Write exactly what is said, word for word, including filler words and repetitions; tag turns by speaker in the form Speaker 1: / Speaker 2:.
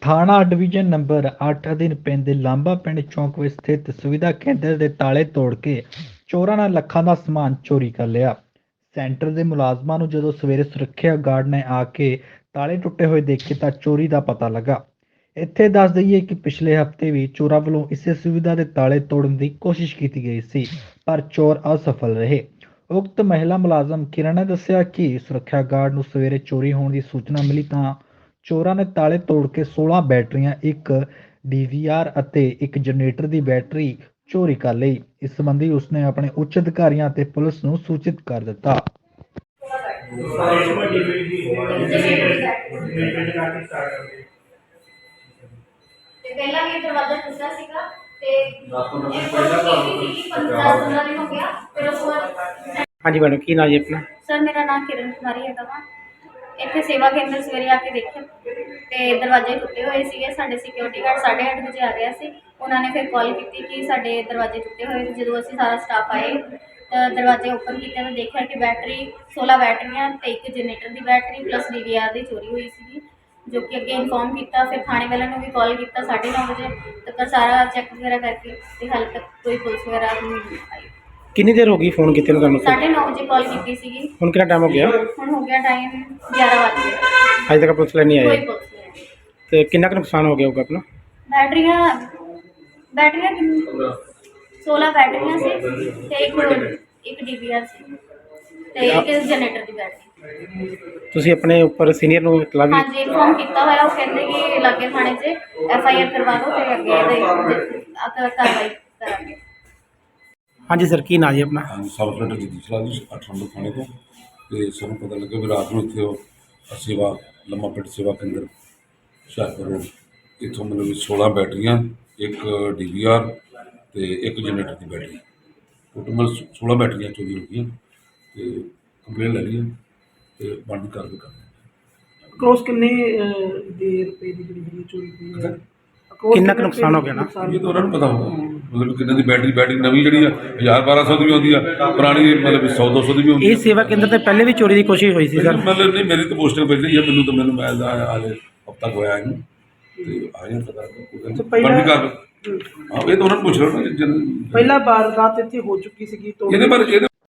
Speaker 1: ਥਾਣਾ division number ਅੱਠ ਅਧੀਨ ਪੈਂਦੇ ਲਾਂਬਾ ਪਿੰਡ ਚੌਂਕ ਵਿੱਚ ਸਥਿਤ ਸੁਵਿਧਾ ਕੇਂਦਰ ਦੇ ਤਾਲੇ ਤੋੜ ਕੇ ਚੋਰਾਂ ਨੇ ਲੱਖਾਂ ਦਾ ਸਮਾਨ ਚੋਰੀ ਕਰ ਲਿਆ। ਸੈਂਟਰ ਦੇ ਮੁਲਾਜ਼ਮਾਂ ਨੂੰ ਜਦੋਂ ਸਵੇਰੇ ਸੁਰੱਖਿਆ ਗਾਰਡ ਨੇ ਆ ਕੇ ਤਾਲੇ ਟੁੱਟੇ ਹੋਏ ਦੇਖੇ ਤਾਂ ਚੋਰੀ ਦਾ ਪਤਾ ਲੱਗਾ। ਇੱਥੇ ਦੱਸ ਦਈਏ ਕਿ ਪਿਛਲੇ ਹਫ਼ਤੇ ਵੀ ਚੋਰਾਂ ਵੱਲੋਂ ਇਸੇ ਸੁਵਿਧਾ ਦੇ ਤਾਲੇ ਤੋੜਨ ਦੀ ਕੋਸ਼ਿਸ਼ ਕੀਤੀ ਗਈ ਸੀ, ਪਰ ਚੋਰ ਅਸਫਲ ਰਹੇ। ਉਕਤ ਮਹਿਲਾ ਮੁਲਾਜ਼ਮ ਕਿਰਨ ਨੇ ਦੱਸਿਆ ਕਿ ਸੁਰੱਖਿਆ ਗਾਰਡ ਨੂੰ ਸਵੇਰੇ ਚੋਰੀ ਹੋਣ ਦੀ ਸੂਚਨਾ ਮਿਲੀ ਤਾਂ ਚੋਰਾਂ ਨੇ ਤਾਲੇ ਤੋੜ ਕੇ ਸੋਲਾਂ ਬੈਟਰੀਆਂ, ਇੱਕ ਡੀ ਵੀ ਆਰ ਅਤੇ ਇੱਕ ਜਨਰੇਟਰ ਦੀ ਬੈਟਰੀ ਚੋਰੀ ਕਰ ਲਈ। ਇਸ ਸੰਬੰਧੀ ਉਸਨੇ ਆਪਣੇ ਉੱਚ ਅਧਿਕਾਰੀਆਂ ਅਤੇ ਪੁਲਿਸ ਨੂੰ ਸੂਚਿਤ ਕਰ ਦਿੱਤਾ।
Speaker 2: ਤੇ ਪਹਿਲਾਂ ਵੀ ਦਰਵਾਜ਼ਾ ਟੁੱਟਾ ਸੀਗਾ ਤੇ ਇਹ ਕੋਈ ਪੰਦਰਾਂ ਪੰਦਰਾਂ ਦਿਨ ਹੋ ਗਿਆ। ਫਿਰ ਉਸ ਤੋਂ ਬਾਅਦ
Speaker 3: ਹਾਂਜੀ ਮੈਡਮ, ਕੀ ਨਾਮ ਜੀ ਆਪਣਾ?
Speaker 2: ਸਰ ਮੇਰਾ ਨਾਮ ਕਿਰਨ ਕੁਮਾਰੀ ਹੈਗਾ ਵਾ। ਇੱਥੇ ਸੇਵਾ ਕੇਂਦਰ ਸਵੇਰੇ ਆ ਕੇ ਦੇਖਿਆ ਤੇ ਦਰਵਾਜ਼ੇ ਟੁੱਟੇ ਹੋਏ ਸੀਗੇ। ਸਾਡੇ ਸਿਕਿਉਰਿਟੀ ਗਾਰਡ ਸਾਢੇ ਅੱਠ ਵਜੇ ਆ ਗਿਆ ਸੀ। ਉਹਨਾਂ ਨੇ ਫਿਰ ਕਾਲ ਕੀਤੀ ਕਿ ਸਾਡੇ ਦਰਵਾਜ਼ੇ ਟੁੱਟੇ ਹੋਏ। ਜਦੋਂ ਅਸੀਂ ਸਾਰਾ ਸਟਾਫ ਆਏ ਤਾਂ ਦਰਵਾਜ਼ੇ ਓਪਨ ਕੀਤੇ ਤਾਂ ਦੇਖਿਆ ਕਿ ਬੈਟਰੀ ਸੋਲਾਂ ਬੈਟਰੀਆਂ ਤੇ ਇੱਕ ਜਨਰੇਟਰ ਦੀ battery plus D V R ਦੀ ਚੋਰੀ ਹੋਈ ਸੀਗੀ, ਜੋ ਕਿ ਅੱਗੇ ਇਨਫੋਰਮ ਕੀਤਾ। ਫਿਰ ਥਾਣੇ ਵਾਲਿਆਂ ਨੂੰ ਵੀ ਕਾਲ ਕੀਤਾ ਸਾਢੇ ਨੌ ਵਜੇ ਤੱਕ, ਸਾਰਾ ਚੈੱਕ ਵਗੈਰਾ ਕਰਕੇ ਤੇ ਹਾਲੇ ਤੱਕ ਕੋਈ ਪੁਲਿਸ ਵਗੈਰਾ ਨਹੀਂ ਆਈ।
Speaker 3: ਕਿੰਨੀ ਦੇਰ ਹੋ ਗਈ ਫੋਨ ਕੀਤੇ ਨੂੰ ਤੁਹਾਨੂੰ?
Speaker 2: ਸਾਢੇ ਨੌ ਵਜੇ ਕਾਲ ਕੀਤੀ ਸੀਗੀ।
Speaker 3: ਹੁਣ ਕਿੰਨਾ ਟਾਈਮ ਹੋ ਗਿਆ?
Speaker 2: ਹੁਣ ਹੋ ਗਿਆ ਟਾਈਮ ਗਿਆਰਾਂ ਵੱਜ ਗਏ,
Speaker 3: ਅਜੇ ਤੱਕ ਪੁਲਿਸ ਵਾਲੇ ਨਹੀਂ
Speaker 2: ਕੋਈ
Speaker 3: ਆਏ।
Speaker 2: ਪੁਲਿਸ ਨਹੀਂ ਆਈ।
Speaker 3: ਤੇ ਕਿੰਨਾ ਕੁ ਨੁਕਸਾਨ ਹੋ ਗਿਆ ਹੋਊਗਾ ਆਪਣਾ?
Speaker 2: ਬੈਟਰੀਆਂ ਬੈਟਰੀਆਂ ਕਿੰਨ- ਸੋਲਾਂ ਬੈਟਰੀਆਂ ਸੀ ਤੇ ਇੱਕ ਇੱਕ ਡੀ ਵੀ ਆਰ ਸੀ ਤੇ ਇੱਕ ਜਨਰੇਟਰ ਦੀ ਬੈਟਰੀ।
Speaker 3: ਤੁਸੀਂ ਆਪਣੇ ਉੱਪਰ ਸੀਨੀਅਰ ਨੂੰ ਇਤਲਾ ਵੀ?
Speaker 2: ਹਾਂਜੀ ਇਨਫੋਰਮ ਕੀਤਾ ਹੋਇਆ। ਉਹ ਕਹਿੰਦੇ ਕਿ ਲਾਗੇ ਥਾਣੇ 'ਚ ਐਫ ਆਈ ਆਰ ਕਰਵਾ ਦਿਓ ਤੇ ਅੱਗੇ ਇਹਦੇ ਕਾਰਵਾਈ ਕਰਾਂਗੇ।
Speaker 3: ਹਾਂਜੀ ਸਰ, ਕੀ ਨਾਮ ਜੀ ਆਪਣਾ?
Speaker 4: ਹਾਂਜੀ, ਸਬ ਇੰਸਪੈਕਟਰ ਜਗਦੀਸ਼ ਰਾਜ ਜੀ, ਅੱਠ ਨੰਬਰ ਥਾਣੇ ਤੋਂ। ਤੇ ਸਾਨੂੰ ਪਤਾ ਲੱਗਿਆ ਵੀ ਰਾਤ ਨੂੰ ਇੱਥੇ ਉਹ ਸੇਵਾ ਲੰਮਾ ਪਿੰਡ ਸੇਵਾ ਕੇਂਦਰ ਹੁਸ਼ਿਆਰਪੁਰ ਰੋਡ, ਇੱਥੋਂ ਮਤਲਬ ਵੀ ਸੋਲਾਂ ਬੈਟਰੀਆਂ, ਇੱਕ ਡੀ ਵੀ ਆਰ ਤੇ ਇੱਕ ਜਨਰੇਟਰ ਦੀ ਬੈਟਰੀ, ਟੋਟਲ ਮਤਲਬ ਸੋਲਾਂ ਬੈਟਰੀਆਂ ਚੋਰੀ ਹੋ ਗਈਆਂ। ਤੇ ਕੰਪਲੇਨ ਲੈ ਲਈ ਹੈ ਤੇ ਬੰਦ ਕਰ ਦਿੱਤਾ।
Speaker 5: ਅਕਰੋਸ ਕਿੰਨੇ ਅਹ, ਦੇ ਰੁਪਏ ਦੀ ਜਿਹੜੀ ਹੈਗੀ ਚੋਰੀ ਹੋਈ ਹੈ? Across
Speaker 3: ਕਿੰਨਾ ਕੁ
Speaker 5: ਕਿੰਨੇ
Speaker 3: ਨੁਕਸਾਨ ਹੋ ਗਿਆ ਨਾ?
Speaker 5: ਨੁਕਸਾਨ
Speaker 4: ਇਹ ਤਾਂ ਉਹਨਾਂ ਨੂੰ ਪਤਾ ਹੋਊਗਾ ਮਤਲਬ ਕਿੰਨੇ ਦੀ ਬੈਟਰੀ ਬੈਟਰੀ ਨਵੀਂ ਜਿਹੜੀ ਆ ਹਜ਼ਾਰ ਬਾਰਾਂ ਸੌ ਦੀ ਵੀ ਆਉਂਦੀ ਆ, ਪੁਰਾਣੀ ਮਤਲਬ ਸੌ ਦੋ ਸੌ ਦੀ ਵੀ ਆਉਂਦੀ
Speaker 3: ਇਹ
Speaker 4: ਆ।
Speaker 3: ਸੇਵਾ ਕੇਂਦਰ ਤੇ ਪਹਿਲੇ ਵੀ ਚੋਰੀ ਦੀ ਕੋਸ਼ਿਸ਼ ਹੋਈ ਸੀ ਸਰ?
Speaker 4: ਮਤਲਬ ਨਹੀਂ, ਮੇਰੀ ਤਾਂ ਪੋਸਟਿੰਗ ਪਹਿਲੀ ਹੈ, ਮੈਨੂੰ ਤਾਂ ਮੈਨੂੰ ਮੈਂ ਹਾਲੇ ਹਫ਼ਤਾ ਕੁ ਹੋਇਆ ਇਹਨੂੰ ਤੇ ਆਇਆ ਪਤਾ
Speaker 5: ਤੇ ਪਹਿਲਾਂ-
Speaker 4: ਬੰਦ ਕਰ। ਹਾਂ, ਇਹ ਤਾਂ ਉਹਨਾਂ ਨੂੰ ਪੁੱਛ ਲਓ ਨਾ ਜਿਨ-
Speaker 5: ਪਹਿਲਾ ਵਾਰਦਾਤ ਇੱਥੇ ਹੋ ਚੁੱਕੀ ਸੀਗੀ ਤੋਂ
Speaker 4: ਇਹਦੇ ਬਾਰੇ ਇਹਦੇ